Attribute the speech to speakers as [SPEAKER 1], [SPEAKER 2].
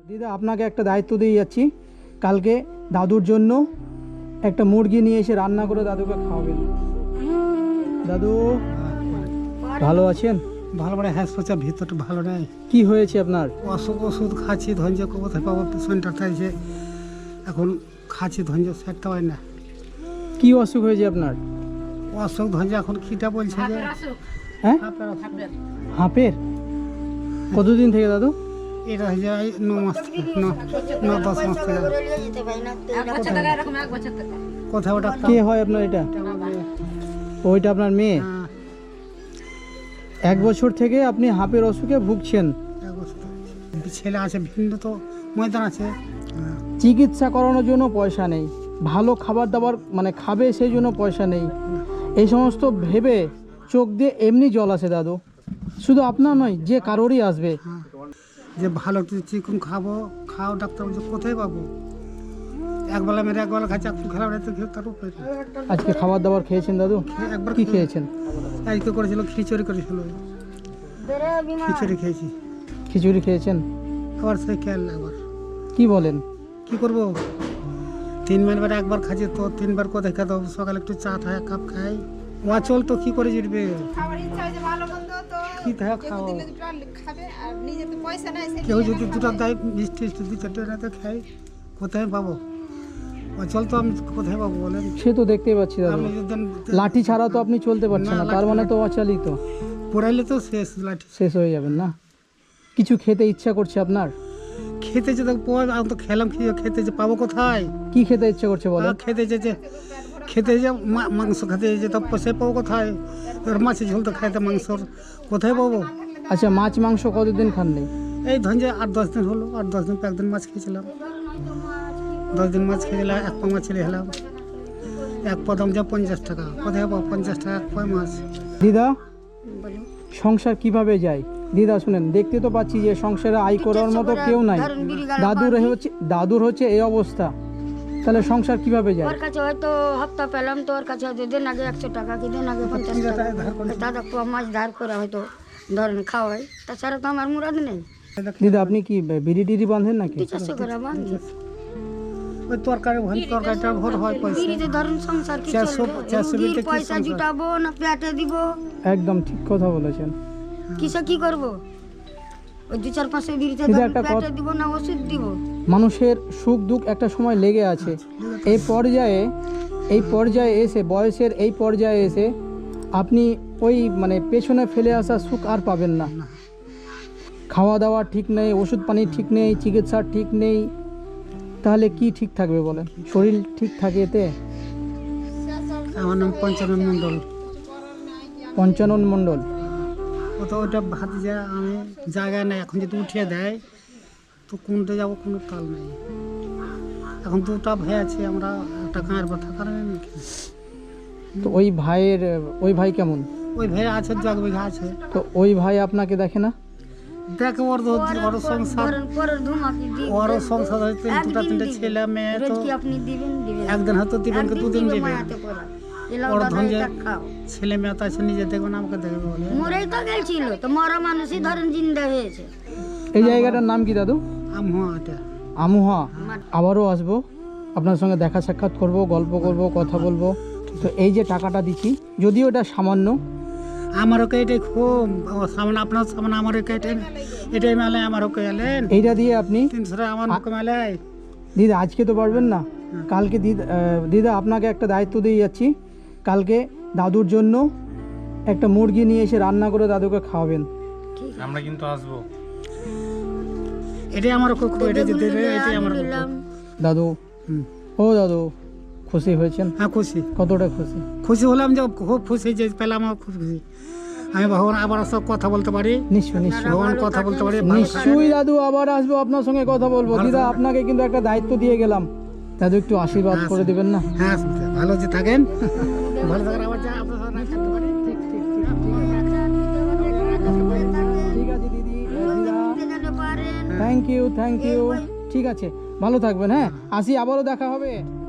[SPEAKER 1] দিদা আপনাকে একটা দায়িত্ব দিয়ে যাচ্ছি, কালকে দাদুর জন্য একটা মুরগি নিয়ে এসে রান্না করে দাদুকে খাওয়াবেন। দাদু ভালো আছেন?
[SPEAKER 2] ভালো মানে হ্যাঁ, সোচা ভিতরটা ভালো নেই।
[SPEAKER 1] কি হয়েছে আপনার?
[SPEAKER 2] অসুখ ওষুধ খাচ্ছি, ধৈর্য কোথায় পাবো? পেশেন্টার থাকছে এখন, খাচ্ছি ধৈর্য সেরতে পারি না।
[SPEAKER 1] কি অসুখ হয়েছে আপনার?
[SPEAKER 2] অসুখ ধৈর্য এখন খিটা বলছে যে
[SPEAKER 1] হ্যাঁ, হাঁপের। কতদিন থেকে দাদু?
[SPEAKER 2] এটা হয়ে যায় 9 মাস থেকে, 9-10 মাস থেকে। কোথায় ওটা?
[SPEAKER 1] কে হয় আপনার এটা? ওইটা আপনার মেয়ে?
[SPEAKER 2] হ্যাঁ,
[SPEAKER 1] 1 বছর থেকে আপনি হাঁপের অসুখে ভুগছেন।
[SPEAKER 2] এক বছর থেকে। ছেলে আছে ভিন্ন তো ময়দান আছে। হ্যাঁ,
[SPEAKER 1] চিকিৎসা করানোর জন্য পয়সা নেই, ভালো খাবার দাবার মানে খাবে সেই জন্য পয়সা নেই, এই সমস্ত ভেবে চোখ দিয়ে এমনি জল আসে দাদু। শুধু আপনার নয়, যে কারোরই আসবে।
[SPEAKER 2] হ্যাঁ। যে ভালো একটু চিকন খাবো, খাও ডাক্তার বলছে কোথায় পাবো? একবেলা মেরে একবেলা খাচ্ছি, এখন খেলা তো খেয়ে তার উপরে।
[SPEAKER 1] আজকে খাবার দাবার খেয়েছেন দাদু?
[SPEAKER 2] একবার
[SPEAKER 1] কি খেয়েছেন?
[SPEAKER 2] আজকে করেছিল খিচুড়ি করেছিল, খিচুড়ি খেয়েছি।
[SPEAKER 1] খিচুড়ি খেয়েছেন?
[SPEAKER 2] আবার সে খেয়াল আবার
[SPEAKER 1] কি বলেন?
[SPEAKER 2] কি করবো? 3 বার একবার খাচ্ছি তো 3 বার কোথায় খেতে হবে? সকালে একটু চা খায়, কাপ খাই, চল তো কি করে জিতবে? কি থাকে খাও, কেউ যদি 2টা দেয় মিষ্টি 2-4টা রাতে খাই, কোথায় পাবো? চল তো আমি কোথায় পাবো বলেন?
[SPEAKER 1] সে তো দেখতেই পাচ্ছি দাদু,
[SPEAKER 2] আপনি যদি
[SPEAKER 1] লাঠি ছাড়া তো আপনি চলতে পারছেন না, তার মানে তো অচালিত।
[SPEAKER 2] পড়াইলে তো শেষ, লাঠি
[SPEAKER 1] শেষ হয়ে যাবেন না? কিছু খেতে ইচ্ছা করছে আপনার?
[SPEAKER 2] খেতে যে আমি তো খেলাম, খেতে যে পাবো কোথায়?
[SPEAKER 1] কি খেতে ইচ্ছা করছে বলেন?
[SPEAKER 2] খেতে যে মাংস খেতে যে তো পয়সা পাবো কোথায়? এবার মাছের ঝোল তো খাইতে, মাংসর কোথায় পাবো?
[SPEAKER 1] আচ্ছা, মাছ মাংস কতদিন খাননি?
[SPEAKER 2] এই ধরেন যে 8-10 দিন হলো, 8-10 দিন, একদিন মাছ খেয়েছিলাম, 10 দিন মাছ খেয়েছিলাম, 1 পা মাছ ছেলে খেলাম, 1 পা দাম যা 50 টাকা, কোথায় পাবো 50 টাকা 1 পা মাছ?
[SPEAKER 1] দিদা, সংসার কিভাবে যায়? দিদা শুনেন, দেখতে তো পাচ্ছি যে সংসারে আয় করার মতো কেউ নাই, দাদুর হচ্ছে এই অবস্থা, তাহলে সংসার কিভাবে যায়?
[SPEAKER 3] ওর কাছে হয়তো হপ্তা পেলাম তো ওর কাছে হয়তো দিন আগে 100 টাকা, কি দিন আগে 50 টাকা, দাদা পোয়া মাছ ধার করে হয়তো ধরেন খাওয়াই, তাছাড়া তো আমার মুরাদ নেই।
[SPEAKER 1] দিদা আপনি কি বিড়ি টিড়ি বাঁধেন নাকি?
[SPEAKER 3] 50 করে বান্ধি,
[SPEAKER 2] ওই তরকারিটা ভোর হয় পয়সা।
[SPEAKER 3] বিড়িতে ধরেন সংসার কি
[SPEAKER 2] 400
[SPEAKER 3] চলবে? পয়সা জুটাবো না পেটে দিব?
[SPEAKER 1] একদম ঠিক কথা বলেছেন।
[SPEAKER 3] কিসে কি করব? ওই 2-4-5 বিড়িতে
[SPEAKER 1] দিদা,
[SPEAKER 3] ধরেন
[SPEAKER 1] একটা
[SPEAKER 3] পেটে দিব না ওষুধ দিব?
[SPEAKER 1] মানুষের সুখ দুঃখ একটা সময় লেগে আছে, এই পর্যায়ে এসে, বয়সের এই পর্যায়ে এসে আপনি ওই মানে পেছনে ফেলে আসা সুখ আর পাবেন না। খাওয়া দাওয়া ঠিক নেই, ওষুধ পানি ঠিক নেই, চিকিৎসা ঠিক নেই, তাহলে কি ঠিক থাকবে বলেন? শরীর ঠিক থাকে এতে?
[SPEAKER 2] আমার নাম পঞ্চানন মণ্ডল।
[SPEAKER 1] পঞ্চানন মণ্ডল?
[SPEAKER 2] ও তো ওটা ভাতে যায়, আমি জায়গা নেই, এখন যদি উঠিয়ে দেয় তো কোনটা যাবো কোনো তাল নেই। এখন 2টা ভাই আছে, আমরা একটা গাঁয়ের পর থাকার নেই।
[SPEAKER 1] তো ওই ভাই কেমন?
[SPEAKER 2] ওই ভাই আছে 2 বিঘা আছে।
[SPEAKER 1] তো ওই ভাই আপনাকে দেখে না?
[SPEAKER 2] দেখে ওর সংসার,
[SPEAKER 3] ধরেন পরের ধুমাকি দিই,
[SPEAKER 2] ওর সংসার হয়তো 2-3টে ছেলে মেয়ে, তো
[SPEAKER 3] কি আপনি দিবেন
[SPEAKER 2] একদিন হয়তো দিবেন, 2 দিন দিবেন।
[SPEAKER 3] মায়াতে পড়া এলাও
[SPEAKER 2] ওর
[SPEAKER 3] দাদা
[SPEAKER 2] ধঞ্জে
[SPEAKER 3] এটা খাও।
[SPEAKER 2] ছেলে মেয়ে তো আছে, নিজে দেখবে না আমাকে দেখবে বলে।
[SPEAKER 3] মরেই তো গেছিল, তো মরা মানুষই ধরেন জিন্দা হয়েছে।
[SPEAKER 1] এই জায়গাটার নাম কি দাদু?
[SPEAKER 2] এটা
[SPEAKER 1] আমুহা। আবারও আসবো, আপনার সঙ্গে দেখা সাক্ষাৎ করব, গল্প করব, কথা বলবো। তো এই যে টাকাটা দিচ্ছি, যদিও এটা সামান্য,
[SPEAKER 2] আমারও এটাই খুব সামনে, আপনার সামনে আমার এটাই মেলে, আমারও এলেন
[SPEAKER 1] এইটা দিয়ে আপনি
[SPEAKER 2] 300 টাকা আমার মেলে।
[SPEAKER 1] দিদা আজকে তো পারবেন না, কালকে দিদা আপনাকে একটা দায়িত্ব দিয়ে যাচ্ছি, কালকে দাদুর জন্য একটা মুরগি নিয়ে এসে রান্না করে দাদুকে খাওয়াবেন।
[SPEAKER 4] আমরা কিন্তু আসবো।
[SPEAKER 2] এটাই আমার খুব, এটা যদি দেবে এটাই আমার খুব।
[SPEAKER 1] দাদু, ও দাদু, খুশি হয়েছেন?
[SPEAKER 2] হ্যাঁ খুশি।
[SPEAKER 1] কতটা খুশি?
[SPEAKER 2] খুশি হলাম যে, খুব খুশি যে পেলাম, আমার খুব খুশি। আমি ভগবান আবার সব কথা বলতে পারি,
[SPEAKER 1] নিশ্চয়ই।
[SPEAKER 2] ভগবান কথা বলতে পারি।
[SPEAKER 1] নিশ্চয়ই দাদু, আবার আসবো, আপনার সঙ্গে কথা বলবো। দিদা আপনাকে কিন্তু একটা দায়িত্ব দিয়ে গেলাম, দাদু একটু আশীর্বাদ করে দিবেন না?
[SPEAKER 2] হ্যাঁ, ভালো যে থাকেন, ভালো থাকেন, আবার যা আপনার সঙ্গে না থাকতে পারি।
[SPEAKER 1] ঠিক আছে দিদি, দিদা, থ্যাংক ইউ। ঠিক আছে, ভালো থাকবেন। হ্যাঁ, আসি, আবারও দেখা হবে।